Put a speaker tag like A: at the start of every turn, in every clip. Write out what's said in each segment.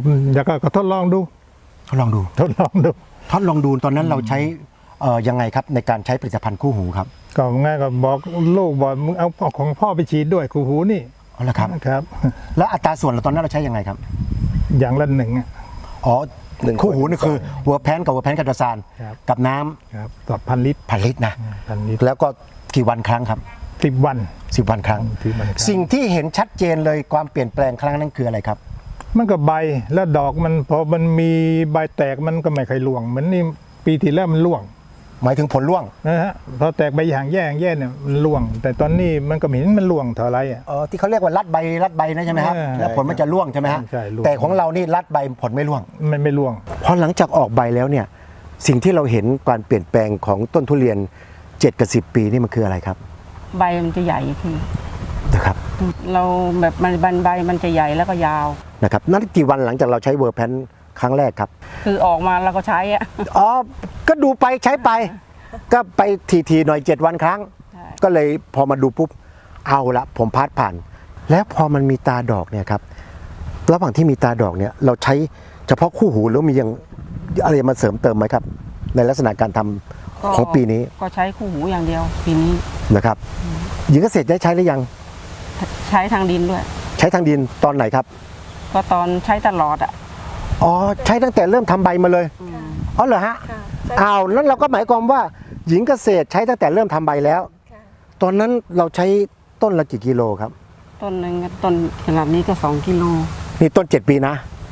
A: อยากก็ทดลองดู
B: ทดลองดู
A: ทดลองดู
B: ตอนนั้นเราใช้ยังไงครับในการใช้ผลิตภัณฑ์คู่หูครับ
A: ก็ง่ายก็บอกลูกบอกมึงเอาของพ่อไปฉีดด้วยคู่หูนี่
B: อ๋อเหรอครับ
A: ครับ
B: แล้วอัตราส่วนเราตอนนั้นเราใช้ยังไงครับ
A: อย่างละหนึ่ง
B: อ๋อคู่หูนี่คือหัวแพนกับหัวแพนกัตซานกับน้
A: ำครับต่อ1,000 ลิตร
B: นะ
A: 1,000 ลิตร
B: แล้วก็กี่วันครั้งครับ
A: 10 วัน
B: 10 วันครั้งสิ่งที่เห็นชัดเจนเลยความเปลี่ยนแปลงครั้งนั้นคืออะไรครับ
A: มันก็ใบแล้วดอกมันพอมันมีใบแตกมันก็ไม่ค่อยร่วงเหมือนนี่ปีที่แล้วมันร่วง
B: หมายถึงผลร่วง
A: นะฮะพอแตกใบอย่างแย่เนี่ยมันร่วงแต่ตอนนี้มันก็ไม่เห็นมันร่วงเท่าไร
B: ที่เขาเรียกว่ารัดใบนะใช่ไหมครับแล้วผลมันจะร่วงใช่ไหมฮะแต่ของเรานี่รัดใบผลไม่ร่วง
A: ไม่ร่วง
B: พอหลังจากออกใบแล้วเนี่ยสิ่งที่เราเห็นการเปลี่ยนแปลงของต้นทุเรียน7 กับ 10 ปีนี่มันคืออะไรครับ
C: ใบมันจะใหญ่ขึ้น
B: นะครับ
C: เราแบบมันใบมันจะใหญ่แล้วก็ยาว
B: นะครับนั่นกี่วันหลังจากเราใช้เวอร์แพนครั้งแรกครับ
C: คือออกมาเราก็ใช้
B: ก็ดูไปใช้ไปก็ไปทีหน่อย7 วันครั้งก็เลยพอมาดูปุ๊บเอาละผมพาดผ่านแล้วพอมันมีตาดอกเนี่ยครับระหว่างที่มีตาดอกเนี่ยเราใช้เฉพาะคู่หูหรือมียังอะไรมาเสริมเติมไหมครับในลักษณะการทำของปีนี้
C: ก็ใช้คู่หูอย่างเดียวปีนี้
B: นะครับหญิงเกษตรได้ใช้หรือยัง
C: ใช้ทางดินด้วย
B: ใช้ทางดินตอนไหนครับ
C: ก็ตอนใช้ตลอด
B: ใช้ตั้งแต่เริ่มทำใบมาเลยเหรอฮะแล้วเราก็หมายความว่าหญิงเกษตรใช้ตั้งแต่เริ่มทำใบแล้วตอนนั้นเราใช้ต้นละกี่กิโลครับ
C: ต้นหนึ่งต้นขนาดนี้ก็2 กิโล
B: นี่ต้น7 ปีนะ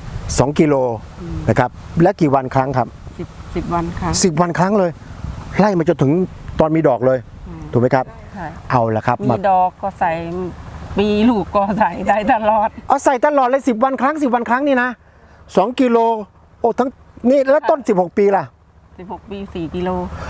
B: 2 กิโลนะครับและกี่วันครั้งครับ
C: 10 วันครั้ง
B: 10 วันครั้งเลยไล่มาจนถึงตอนมีดอกเลยถูกไหมครับเอาละครับ
C: มีดอกก็ใส่ปีลูกก็ใส่ได้ตลอด
B: ใส่ตลอดเลย10 วันครั้ง10 วันครั้งนี่นะ2 กิโลทั้งนี่แล้วต้น16 ปีล่ะ
C: 16 ปี4 กิโล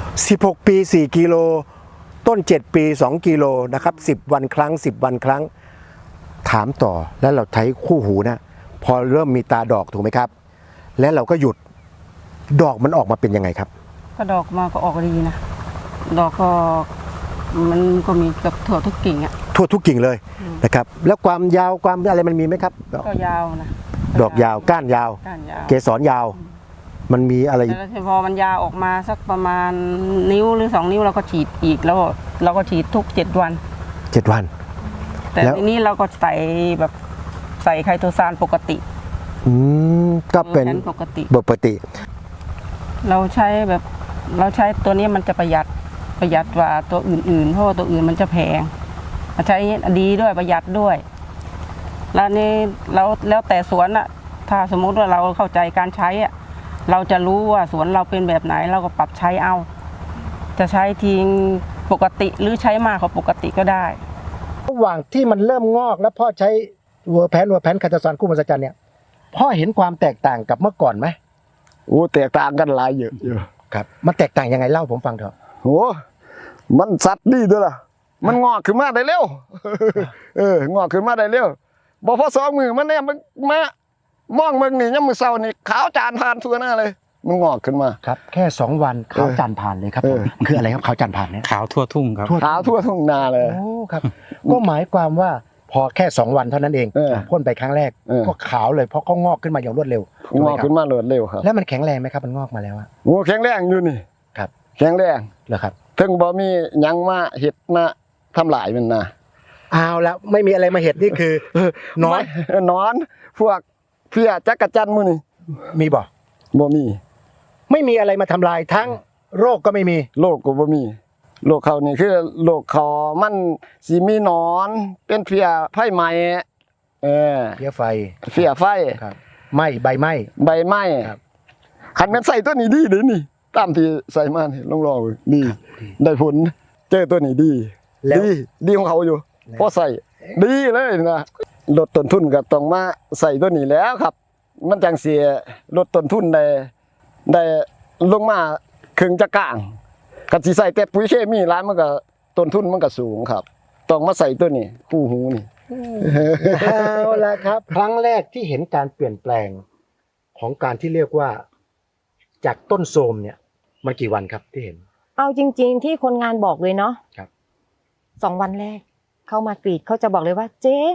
B: 16 ปี4 กิโลต้น7 ปี2 กิโลนะครับ10 วันครั้ง10 วันครั้งถามต่อแล้วเราใช้คู่หูนะพอเริ่มมีตาดอกถูกไหมครับแล้วเราก็หยุดดอกมันออกมาเป็นยังไงครับ
C: ก็ดอกมาก็ออกดีนะดอกก็มันก็มีกับทั่วทุกกิ่ง
B: ทั่วทุกกิ่งเลยนะครับแล้วความยาวความอะไรมันมีไหมครับ
C: ก็ยาวนะ
B: ดอกยาวก้านยาวเกสรยาวมันมีอะไร
C: พอมันยาวออกมาสักประมาณนิ้วหรือ2 นิ้วเราก็ฉีดอีกแล้วเราก็ฉีดทุก7 วัน
B: 7 วัน
C: แต่ทีนี้เราก็ใส่แบบใส่ไคโตซานปกติ
B: ก็เป็น
C: ปกติเราใช้ตัวนี้มันจะประหยัดกว่าตัวอื่นๆเพราะว่าตัวอื่นมันจะแพงมาใช้ดีด้วยประหยัดด้วยแล้วนี่แล้วแต่สวนถ้าสมมุติว่าเราเข้าใจการใช้เราจะรู้ว่าสวนเราเป็นแบบไหนเราก็ปรับใช้เอาจะใช้ทิ้งปกติหรือใช้มากกว่าปกติก็ได้
B: ระหว่างที่มันเริ่มงอกแล้วพ่อใช้เวอร์แพนคาตาซอนคู่มหัศจรรย์เนี่ยพ่อเห็นความแตกต่างกับเมื่อก่อนไหม
D: แตกต่างกันหลายเยอะ
B: ครับมันแตกต่างยังไงเล่าผมฟังเถอะ
D: มันสัตว์ดีด้วยล่ะมันงอกขึ้นมาได้เร็วงอกขึ้นมาได้เร็วบ่พอ2 มือมันเนี่ยมันมามองมึงนี่ยามมื้อเช้านี่ขาวจานผ่านทั่วหน้าเลยมันงอกขึ้นมา
B: ครับแค่2 วันขาวจานผ่านเลยครับคืออะไรครับขาวจานผ่านเนี่ย
E: ขาวทั่วทุ่งครับ
D: ขาวทั่วทุ่งนาเลย
B: ครับก็หมายความว่าพอแค่2 วันเท่านั้นเองพ่นไปครั้งแรกก็ขาวเลยเพราะเขางอกขึ้นมาอย่างรวดเร็ว
D: งอกขึ้นมารวดเร็วครับ
B: แล้วมันแข็งแรงไหมครับมันงอกมาแล้ว
D: แข็งแรงอยู่นี่
B: ครับ
D: แข็งแรง
B: เหรอครับ
D: ถึงบ่มีหยังมาเห็ดมาทำลายมันนะ
B: เอาแล้วไม่มีอะไรมาเห็ดนี่คือน
D: อนพวกเพี้ยจักรจันทร์มื้อนี่
B: มีบ่
D: มี
B: ไม่มีอะไรมาทำลายทั้งโรคก็ไม่มี
D: โรคก็บ่มีโรคเขานี่คือโรคเขามันสิมีหนอนเป็นเพี้ยไฟไหม้
B: เพี้ยไฟ
D: ครับ
B: ไหม้ใบไหม้
D: ครับคันแม่นใส่ตัวนี้ดีเด้นี่ตามที่ใส่มานี่ลองดีได้ผลเจอตัวนี้ดีของเขาอยู่พอใส่ดีเลยนะลดต้นทุนก็ต้องมาใส่ตัวนี้แล้วครับมันจังสิลดต้นทุนได้ลงมาครึ่งจะกลางกันสิใส่แต่ปุ๋ยเคมีร้านมันก็ต้นทุนมันก็สูงครับต้องมาใส่ตัวนี้คู่หูนี่
B: เอาละครับครั้งแรกที่เห็นการเปลี่ยนแปลงของการที่เรียกว่าจากต้นโทรมเนี่ยมันกี่วันครับที่เห็น
F: เอาจริงๆที่คนงานบอกเลยเนาะ
B: ครับ
F: 2 วันแรกเข้ามากรีดเขาจะบอกเลยว่าเจ๊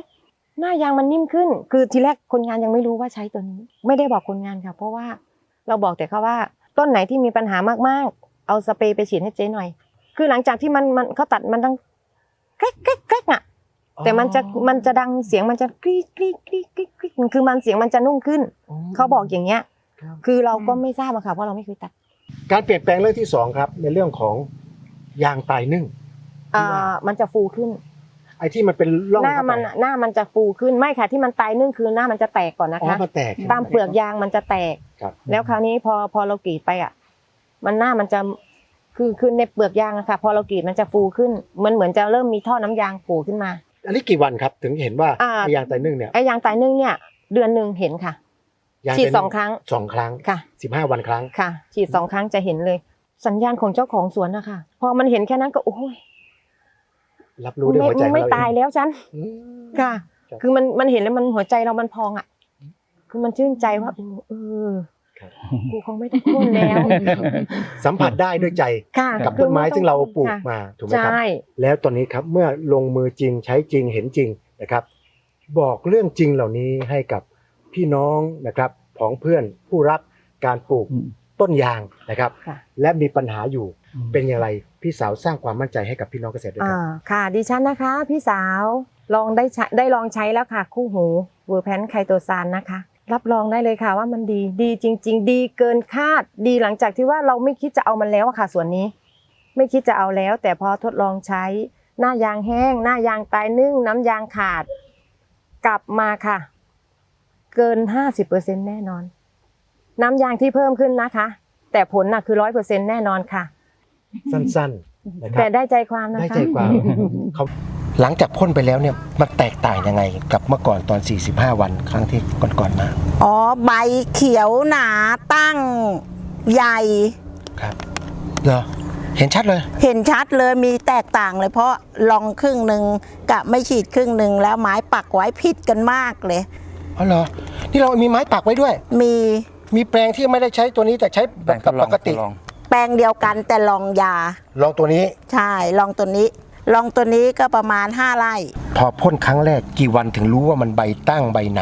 E: หน้ายางมันนิ่มขึ้น คือทีแรกคนงานยังไม่รู้ว่าใช้ตัวนี้ ไม่ได้บอกคนงานค่ะ เพราะว่าเราบอกแต่เขาว่าต้นไหนที่มีปัญหามากๆเอาสเปรย์ไปฉีดให้เจ๊หน่อย คือหลังจากที่มันเขาตัดมันดังแก๊กแก๊กแก๊กอ่ะแต่มันจะดังเสียงมันจะกรี๊ดกรี๊ดกรี๊ดกรี๊ดกรี๊ดคือมันเสียงมันจะนุ่มขึ้นเขาบอกอย่างเงี้ย คือเราก็ไม่ทราบอะค่ะเพราะเราไม่เคยตัด
B: การเปลี่ยนแปลงเรื่องที่สองครับในเรื่องของยางตายนึ่ง
E: มันจะฟูขึ้น
B: ไอ้ที่มันเป็นร่อง
E: หน้ามันจะฟูขึ้นไม่ค่ะที่มันตายนึ่งคือหน้ามันจะแตกก่อนนะ
B: อ๋อ
E: คะ
B: มันแตก
E: ตามเปลือกยางมันจะแตก
B: ครับ
E: แล้วคราวนี้พอเรากรีดไปอ่ะมันหน้ามันจะคือในเปลือกยางอะค่ะ พอเรากรีดมันจะฟูขึ้นเหมือนจะเริ่มมีท่อน้ำยางโผล่ขึ้นมา
B: อันนี้กี่วันครับถึงเห็นว่า
E: อ่า
B: ไอ้ยางตายนึ่งเนี่ย
E: ไอ้ยางตายนึ่งเนี่ยเดือนหนึ่งเห็นค่ะ
B: ยาง
E: ฉีด
B: ตายนึ่
E: 2 ครั้ง
B: สองครั้ง
E: ค่ะ
B: 15 วันครั้ง
E: ค่ะ ฉีด2 ครั้งจะเห็นเลย สัญญาณของเจ้าของสวนนะคะพอมันเห็นแค่นั้นก็โอ้ย
B: รับรู้ด้วยหัวใจของ
E: ไม่
B: เราเอง
E: ตายแล้วฉัน
B: อืม
E: ค่ะ
B: ครับ
E: คือมันเห็นแล้วมันหัวใจเรามันพองอ่ะ คือมันชื่นใจว่ากูคงไม่ต้องพ่นแล้ว
B: สัมผัสได้ด้วยใจ
E: ค่ะ
B: กับต้นไม้ซึ่งเราปลูก
E: ค่ะ
B: มาถูกไหมครับ
E: ใช่
B: แล้วตอนนี้ครับเมื่อลงมือจริงใช้จริงเห็นจริงนะครับ บอกเรื่องจริงเหล่านี้ให้กับพี่น้องนะครับของเพื่อนผู้รักการปลูกต้นยางนะครับ
E: ค่ะ
B: และมีปัญหาอยู่เป็นอย่างไรพี่สาวสร้างความมั่นใจให้กับพี่น้องเกษตรด้วยครับ
E: ค่ะดิฉันนะคะ พี่สาวลองได้ลองใช้แล้วค่ะ คู่หูเวอร์แพนไคโตซานนะคะ รับรองได้เลยค่ะว่ามันดีจริง ๆ ดีเกินคาดดีหลังจากที่ว่าเราไม่คิดจะเอามันแล้วอะค่ะส่วนนี้ ไม่คิดจะเอาแล้ว แต่พอทดลองใช้หน้ายางแห้ง หน้ายางตายนึ่งน้ำยางขาด กลับมาค่ะ เกิน 50% แน่นอน น้ำยางที่เพิ่มขึ้นนะคะ แต่ผลน่ะคือ 100% แน่นอนค่ะ
B: สั้นๆนะครั
E: แต่
B: บ
E: ได้ใจความนะคะ
B: ได้ใจความเขาหลังจากพ่นไปแล้วเนี่ยมันแตกต่างยังไงกับเมื่อก่อนตอน 45 วันครั้งที่ก่อนๆมา
F: อ๋อใบเขียวหนาตั้งใหญ่
B: ครับเหรอเห็นชัดเลย
F: เห็นชัดเลยมีแตกต่างเลยเพราะลองครึ่งหนึ่งกับไม่ฉีดครึ่งหนึ่งแล้วไม้ปักไว้ผิดกันมากเลย
B: อ๋อเหรอนี่เรามีไม้ปักไว้ด้วย มีแปลงที่ไม่ได้ใช้ตัวนี้แต่ใช้แบบปกติ
F: แปลงเดียวกันแต่ลองยา
B: ลองตัวนี้
F: ใช่ลองตัวนี้ลองตัวนี้ก็ประมาณ5 ไร่
B: พอพ่นครั้งแรกกี่วันถึงรู้ว่ามันใบตั้งใบหนา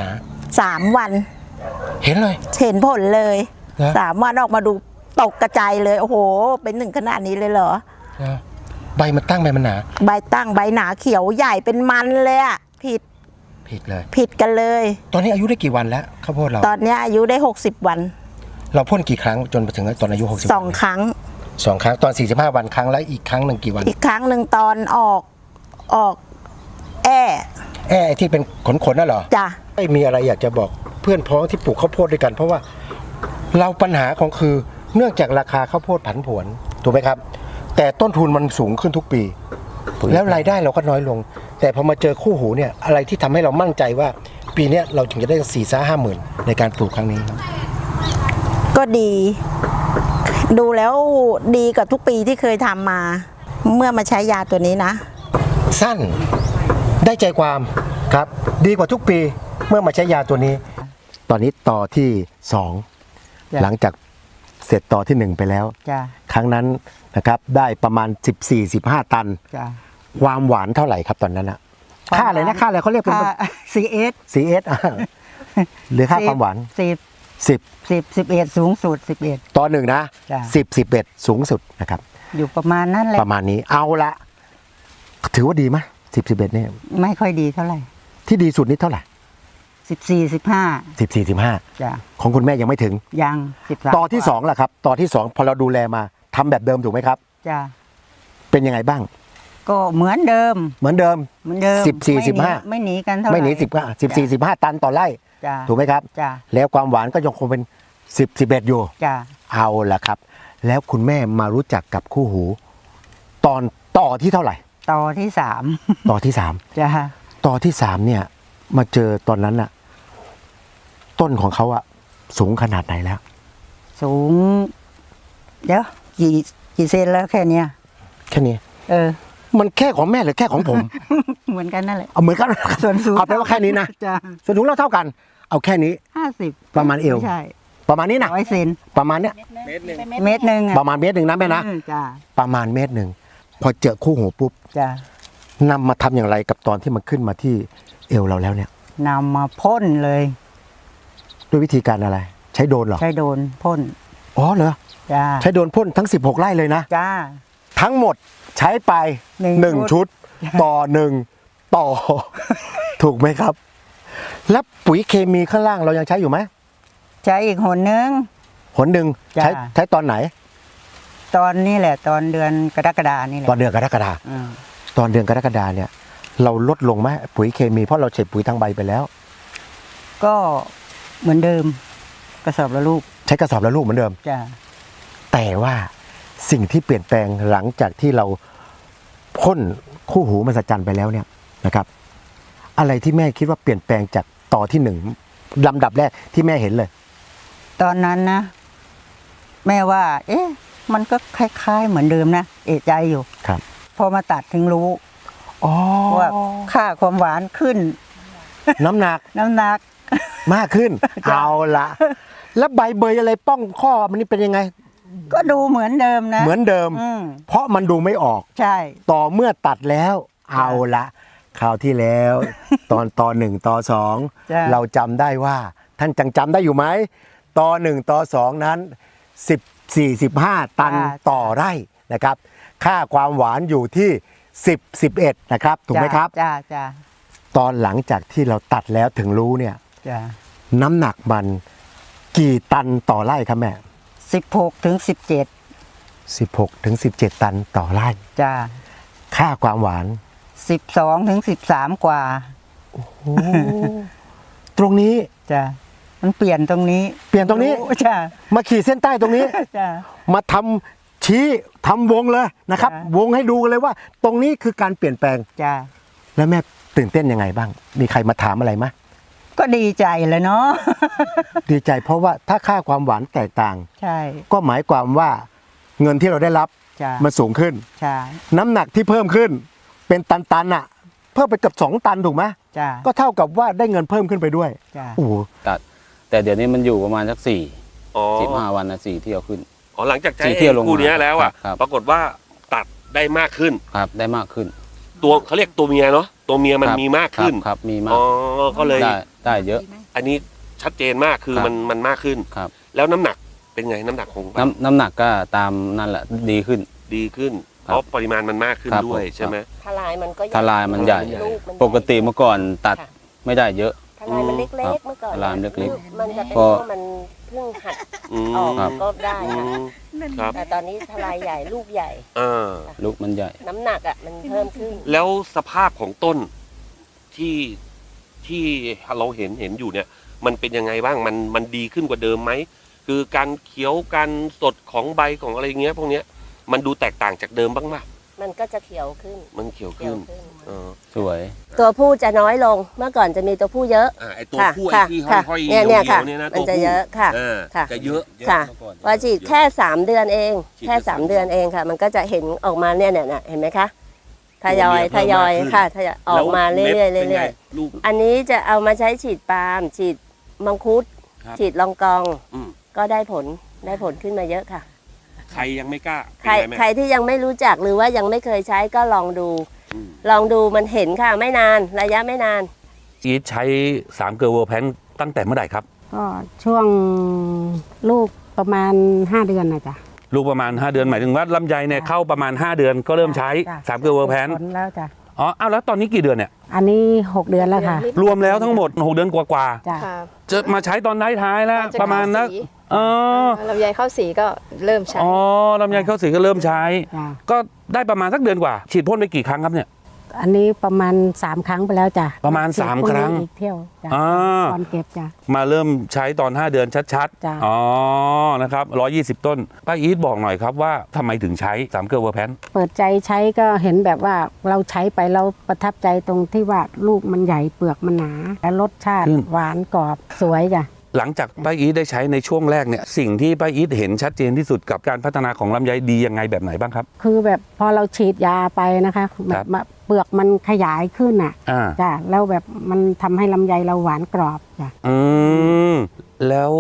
F: 3 วัน
B: เห็นเลย
F: เห็นผลเลย
B: นะ
F: 3 วันออกมาดูตกกระจายเลยโอ้โหเป็นหนึ่งขนาดนี้เลยเหรอ
B: นะใบมันตั้งใบมันหนา
F: ใบตั้งใบหนาเขียวใหญ่เป็นมันเลยอะผิด
B: ผิดเลย
F: ผิดกันเลย
B: ตอนนี้อายุได้กี่วันแล้วข้าวโพดเรา
F: ตอนเนี้ยอายุได้60 วัน
B: เราพ่นกี่ครั้งจนมาถึงตอนอายุ60
F: 2 ครั้ง
B: สองครั้งตอน45 วันครั้งแล้วอีกครั้งหนึ่งกี่วัน
F: อีกครั้งหนึ่งตอนออกแอ
B: ไอ้ที่เป็นขนๆน่ะเหรอ
F: จ้ะ
B: ไม่มีอะไรอยากจะบอกเพื่อนพ้องที่ปลูกข้าวโพดด้วยกัน เพราะว่าเราปัญหาของคือเนื่องจากราคาข้าวโพดผันผวนถูกไหมครับ แต่ต้นทุนมันสูงขึ้นทุกปี แล้วรายได้เราก็น้อยลง แต่พอมาเจอคู่หูเนี่ยอะไรที่ทำให้เรามั่นใจว่า ปีเนี้ยเราถึงจะได้4-5 หมื่นในการปลูกครั้งนี้ครับ
F: ก็ดี ดูแล้วดีกว่าทุกปีที่เคยทำมา เมื่อมาใช้ยาตัวนี้นะ
B: สั้นได้ใจความครับ ดีกว่าทุกปีเมื่อมาใช้ยาตัวนี้ ตอนนี้ต่อที่
C: จ้ะ
B: 2 หลังจากเสร็จต่อที่ 1 ไปแล้ว
C: จ้ะ
B: ครั้งนั้นนะครับได้ประมาณ 14-15 ตัน
C: จ้ะ
B: ความหวานเท่าไหร่ครับตอนนั้นอะค่าอะไรนะค่าอะไรเขาเรียกเป็น
C: ค่า CS
B: CS หรือค่าความหวาน
C: 10 11สูงสุด11
B: ต่อ 1 นะ
C: จ้ะ
B: 10-11 สูงสุดนะครับ
C: อยู่ประมาณนั้นแหละ
B: ประมาณนี้เอาละถือว่าดีไหม10-11เนี่ย
C: ไม่ค่อยดีเท่าไหร่
B: ที่ดีสุดนี่เท่าไหร่
C: 14 15
B: 14-15
C: จ้ะ
B: ของคุณแม่ยังไม่ถึง
C: ยัง13
B: ต่อที่2ล่ะครับต่อที่ 2 พอเราดูแลมาทำแบบเดิมถูกไหมครับ
C: จ้ะ
B: เป็นยังไงบ้าง
C: ก็เหมือนเดิม
B: เหมือนเดิม
C: เหมือนเดิม
B: 14
C: ไม่หนีกันเท่าไหร่
B: ไม่หนี14-15 ตันต่อไร่
C: จ้ะ
B: ถูกไหมครับ
C: จ้ะ
B: แล้วความหวานก็ยังคงเป็น10-11อยู่
C: จ้ะ
B: เอาละครับ แล้วคุณแม่มารู้จักกับคู่หู ตอนต่อที่เท่าไหร่
C: ต่อที่3
B: ต่อที่
C: จ้ะ
B: 3ต่อที่ 3เนี่ยมาเจอตอนนั้นน่ะต้นของเขาอะสูงขนาดไหนแล้ว
C: สูง เดี๋ยวกี่เซนแล้วแค่เนี้ย
B: แค่นี้ มันแค่ของแม่หรือแค่ของผม
C: เหมือนกันนั่นแหละ
B: เอาเหมือนกัน
C: ส่วนสูง
B: เอาไปนว่าแค่นี้นะ
C: จ้ะ
B: ส่วนสูงเราเท่ากัน เอาแค่นี้
C: 50
B: ประมาณเอว
C: ไม่ใช่
B: ประมาณนี้นะ
C: 100 เซน
B: ประมาณเนี้ย
C: เมตรหนึ่งอะ
B: ประมาณเมตรหนึ่งนะแม่นะ
C: จ้ะ
B: ประมาณเมตรหนึ่งพอเจอคู่หูปุ๊บ
C: จ้ะ
B: นำมาทำอย่างไรกับตอนที่มันขึ้นมาที่เอวเราแล้วเนี่ย
G: นำมาพ่นเลย
B: ด้วยวิธีการอะไร ใช้โดรนเหรอ
G: ใช้โดนพ่น
B: อ๋อเหรอ
G: จ้า
B: ใช้โดรนพ่นทั้ง 16 ไร่เลยนะ
G: จ้า
B: ทั้งหมดใช้ไป
G: หนึ่ง
B: 1 ชุด ต่อ 1 ต่อ ถูกไหมครับ แล้วปุ๋ยเคมีข้างล่างเรายังใช้อยู่ไหม
G: ใช้อีกหนนึง
B: หนหนึ่ง
G: จ้ะ
B: ใช้ตอนไหน
G: ตอนนี้แหละตอนเดือนกรกฎานี่แหละ
B: ตอนเดือนกรกฎา
G: อืม
B: ตอนเดือนกรกฎาเนี่ย เราลดลงไหมปุ๋ยเคมีเพราะเราใช้ปุ๋ยทางใบไปแล้ว
G: ก็เหมือนเดิมกระสอบละลูก
B: ใช้กระสอบละลูกเหมือนเดิม
G: จ้า
B: แต่ว่าสิ่งที่เปลี่ยนแปลงหลังจากที่เราพ่นคู่หูมหัศจรรย์ไปแล้วเนี่ยนะครับ อะไรที่แม่คิดว่าเปลี่ยนแปลงจากต่อที่1ลำดับแรกที่แม่เห็นเลย
G: ตอนนั้นนะ แม่ว่า เอ๊ะ มันก็คล้ายๆเหมือนเดิมนะเอะใจอยู่
B: ครับ
G: พอมาตัดถึงรู้
B: อ๋อ
G: ว่าค่าความหวานขึ้น
B: น้ำหนัก
G: น้ำหนัก
B: มากขึ้น
G: จ้ะ
B: เอาละแล้วใบเบยอะไรป้องข้อมันนี่เป็นยังไง
G: ก็ดูเหมือนเดิมนะ
B: เหมือนเดิม
G: อืม
B: เพราะมันดูไม่ออก
G: ใช่
B: ต่อเมื่อตัดแล้ว เอาละคราวที่แล้ว ตอนต่อ1ต่อ
G: จ้ะ
B: 2เราจำได้ว่า ท่านจังจำได้อยู่ไหมต่อ1ต่อ2นั้น14-15 ตันต่อไร่นะครับ ค่าความหวานอยู่ที่10-11นะครับถูกไหมครับ
G: จ้าจ้า
B: ตอนหลังจากที่เราตัดแล้วถึงรู้เนี่ย
G: จ้า
B: น้ำหนักมันกี่ตันต่อไร่ครับแม่
G: 16 ถึง
B: 16 ถึง 17 ตันต่อไร่
G: 17จ้า
B: ค่าความหวาน
G: 12 ถึง 13 กว่า
B: ตรงนี้
G: จ้ามันเปลี่ยนตรงนี้
B: เปลี่ยนตรงนี้
G: จ้า
B: มาขีดเส้นใต้ตรงนี้
G: จ้า
B: มาทำชี้ทำวงเลยนะครับ
G: จ้ะ
B: วงให้ดูกันเลยว่า ตรงนี้คือการเปลี่ยนแปลง
G: จ้า
B: แล้วแม่ตื่นเต้นยังไงบ้าง มีใครมาถามอะไรไหม
G: ก็ดีใจเลยเนาะ
B: ดีใจเพราะว่าถ้าค่าความหวานแตกต่าง
G: ใช่
B: ก็หมายความว่าเงินที่เราได้รับ
G: จ้า
B: มันสูงขึ้น
G: ใช่
B: น้ำหนักที่เพิ่มขึ้น เป็นตันๆอ่ะ เพิ่มไปเกือบ2 ตันถูกไหม
G: จ้า
B: ก็เท่ากับว่าได้เงินเพิ่มขึ้นไปด้วย
G: จ้า
B: โอ้โห
H: ตัดแต่เดี๋ยวนี้มันอยู่ประมาณสัก
I: อ๋อ
H: 15 วันนะ4 เที่ยวขึ้น
I: อ๋อหลังจากใช้
H: สี่เที่ยวลงมา
I: คู่เนี้ยแล้วอ่ะ
H: ครับ
I: ปรากฏว่าตัดได้มากขึ้น
H: ครับได้มากขึ้น
I: ตัวเขาเรียกตัวเมียเนาะตัวเมียมัน
H: ครับ
I: มีมากขึ้น
H: ครับมีมาก
I: อ๋อก็เลย
H: ได้เยอะ
I: อันนี้ชัดเจนมากคือ
H: ครับ
I: มันมากขึ้น
H: ครับ
I: แล้วน้ำหนักเป็นไงน้ำหนักของ
H: น้ำหนักก็ตามนั่นแหละดีขึ้น
I: ดีขึ้น
H: ค
I: เพ
H: รับ
I: ราะปริมาณมันมากขึ้น
H: ครับ
I: ด้วย
H: ผม
I: ใช่ไหม
J: ทลายมันก็
H: ทลายมันใหญ่
J: ลูมันใหญ่
H: ปกติเมื่อก่อนตัด
J: ค่ะ
H: ไม่ได้เยอะ
J: ทลายมันเล็
H: ครั
J: ก
H: บ
J: ๆเมื่อก่อน
H: ทลายมันเล็กๆ
J: คือมันจะเป็น
H: ก็
J: เพราะมันเพิ่งหัด
I: อืม
J: ออก
H: ครับ
J: ก็ได้
I: อื
J: ค่ะ
I: มครับ
J: แต่ตอนนี้ทลายใหญ่ลูกใหญ่
I: อ่า
H: ลูกมันใหญ่
J: น้ำหนักอ่ะมันเพิ่มขึ้น
I: แล้วสภาพของต้นที่ที่เราเห็นอยู่เนี่ย มันเป็นยังไงบ้างมันดีขึ้นกว่าเดิมไหมคือการเขียวการสดของใบของอะไรเงี้ยพวกเนี้ยมันดูแตกต่างจากเดิมบ้างไหม
J: มันก็จะเขียวขึ้น
I: มันเขียว
J: เขีย
I: ขึ้
J: วน ขึ้น
I: เออ
H: สวย
J: ตัวผู้จะน้อยลงเมื่อก่อนจะมีตัวผู้เยอะ
I: ไอตัว
J: ค่ะ
I: ผู้
J: ค่ะ
I: ไอ้ที่ห้
J: ค่ะ
I: อยๆ
J: เนี่ย
I: เหี่ยว
J: ค่ะ
I: ๆเนี่ยนะ
J: มัน
I: ตัว
J: จะ
I: ผู้
J: เยอะค่ะ
I: ค่ะจะเยอะ
J: ค่ะพอฉีดแค่3 เดือนเอง
I: ฉีด
J: แค่
I: แค่
J: 3 เดือนเองค่ะ มันก็จะเห็นออกมาเนี่ยเห็นไหมคะทยอย
I: ตัวเมียเพิ่ม
J: ทยอย
I: มากขึ้น
J: ค่ะทยอยออกมาเรื่อยๆ
I: แล้วม็ดเป็น
J: เรื่
I: ไง
J: อย
I: ลูก
J: ๆอันนี้จะเอามาใช้ฉีดปาล์มฉีดมังคุด
I: ครับ
J: ฉีดลองกอง
I: อืม
J: ก็ได้ผลขึ้นมาเยอะค่ะ
I: ใครยังไม่กล้า
J: ใคร
I: เป็นไง
J: ใคร
I: แม่
J: ที่ยังไม่รู้จักหรือว่ายังไม่เคยใช้ก็ลองดู
I: อืม
J: ลองดูมันเห็นค่ะไม่นานระยะไม่นาน
I: อีทใช้3เกลือเวอร์แพนตั้งแต่เมื่อไหร่ครับ
K: ก็ช่วงลูกประมาณ5 เดือนนะจ๊ะ
I: ลูกประมาณ 5 เดือนหมายถึงว่าลำไยเนี่ยเข้าประมาณ 5 เดือนก็เริ่มใช้
K: จ้ะ
I: 3เกลือเวอร์แพน
K: ผลแล้วจ้ะ
I: อ๋ออ้าวแล้วตอนนี้กี่เดือนเนี่ย
K: อันนี้ 6 เดือนแล้วค่ะ
I: รวมแล้วทั้งหมด 6 เดือนกว่า
K: จ้ะ
I: ๆจะมาใช้ตอนท้ายๆแล้วประมาณนัก
L: ลำไยเข้าสีก็เริ่มใช้
I: อ๋อลำไยเข้าสีก็เริ่มใช้
K: จ้ะ
I: ก็ได้ประมาณสักเดือนกว่า ฉีดพ่นไปกี่ครั้งครับเนี่ย
K: อันนี้ประมาณ3 ครั้งไปแล้วจ้ะ
I: ประมาณ3
K: ฉีดพรุ่
I: ครั้ง
K: อีกเที่ยวจ้ะ
I: อ่า
K: ตอนเก็บจ้ะ
I: มาเริ่มใช้ตอน 5 เดือนชัด
K: จ้ะ
I: ๆอ๋อนะครับ120 ต้นป้าอีทบอกหน่อยครับว่าทำไมถึงใช้3เกลือเวอร์แพน
K: เปิดใจใช้ก็เห็นแบบว่าเราใช้ไปเราประทับใจตรงที่ว่าลูกมันใหญ่เปลือกมันหนา และรสชาติหวานกรอบสวยจ้ะ
I: หลังจากป้าอีทได้ใช้ในช่วงแรกเนี่ยสิ่งที่ป้าอีทเห็นชัดเจนที่สุดกับการพัฒนาของลำไยดียังไงแบบไหนบ้างครับ
K: คือแบบพอเราฉีดยาไปนะคะแบบเปลือกมันขยายขึ้นอ่ะ
I: อ่า
K: จ้ะแล้วแบบมันทำให้ลำไยเราหวานกรอบจ้ะ
I: อืมแล้ว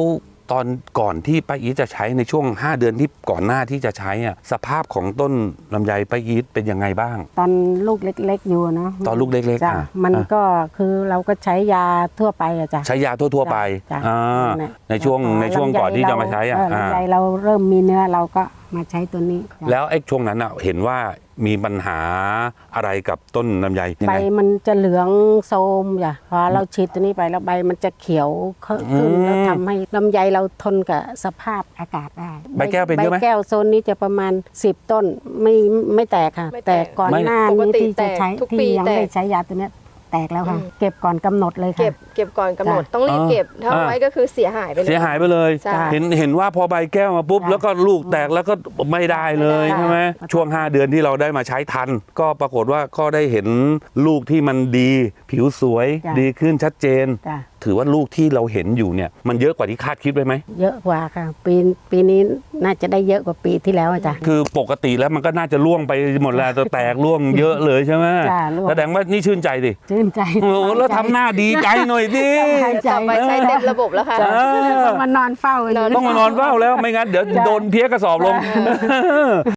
M: ตอนก่อนที่ป้าอีทจะใช้ในช่วง 5 เดือนที่ก่อนหน้าที่จะใช้อ่ะสภาพของต้นลำไยป้าอีทเป็นยังไงบ้าง
K: ตอนลูกเล็กๆอยู่เนาะ
M: ตอนลูกเล็กๆ
K: จ้ะ
M: อ่ะ
K: มันก็คือเราก็ใช้ยาทั่วไปอะจ้ะ
M: ใช้ยาทั่วๆไป
K: จ้ะ
M: อ่า
K: นั่นแหละ
M: ในช่วงก่อนที่จะมาใช้อ่ะ
K: ลำไยเราเริ่มมีเนื้อเราก็มาใช้ตัวนี้จ้ะ
M: แล้วไอ้ช่วงนั้นอ่ะเห็นว่ามีปัญหาอะไรกับต้นลำไยยัง
K: ใบ
M: ไง
K: มันจะเหลืองโทรมจ้ะพอเราฉีดตัวนี้ไปแล้วใบมันจะเขียวขึ้นแล้วทำให้ลำไยเราทนกับสภาพอากาศได้
M: ใบแก้วเป็นเยอะไหม
K: ใบแก้วโซนนี้จะประมาณ10 ต้นไม่แตกค่ะ
L: ไม่แตก
K: แต่ก่อนหน้า
L: ปก
K: นี้
L: ติ
K: ที่จะใช้
L: แตกทุกปี
K: ที่ยังไม่
L: แต
K: ได้
L: ก
K: ใช้ยาตัวเนี้ยแตกแล้วค่ะ เก็บก่อนกำหนดเลยค่ะ
L: เก็บก่อนกำหนด
K: จ้ะ
L: ต้องรีบเก็บถ้า
M: อ่า
L: ไว้ก็คือเสียหายไปเลย
M: เสียหายไปเลย
L: ใช่
M: เห็นว่าพอใบแก้วมาปุ๊บ
K: จ้ะ
M: แล้วก็ลูกแตกแล้วก็ไม่ได้เลย
K: ไม่ได้
M: ใช่ไหมช่วง 5 เดือนที่เราได้มาใช้ทัน ก็ปรากฏว่าก็ได้เห็นลูกที่มันดี ผิวสวย
K: จ้ะ
M: ดีขึ้นชัดเจน
K: จ้ะ
M: ถือว่าลูกที่เราเห็นอยู่เนี่ยมันเยอะกว่าที่คาดคิดไว้ไหม
K: เยอะกว่าค่ะ ปีนี้น่าจะได้เยอะกว่าปีที่แล้วอะจ้ะ
M: คือปกติแล้วมันก็น่าจะล่วงไปหมดแล้วแต่แตกล่วงเยอะเลยใช่ไหม
K: จ้ะร่วง
M: แสดงว่านี่ชื่นใจดิ
K: ชื่นใจ
M: โอ้โหแล้วทำหน้าดีใจหน่อยดิ
K: ใจ
L: ต่อไปใช้เต็มระบบแล้วค่ะ
K: ต้องมานอนเฝ้า
M: ต้องมานอนเฝ้าแล้วไม่งั้นเดี๋ยวโดนเพี้ยกระสอบลง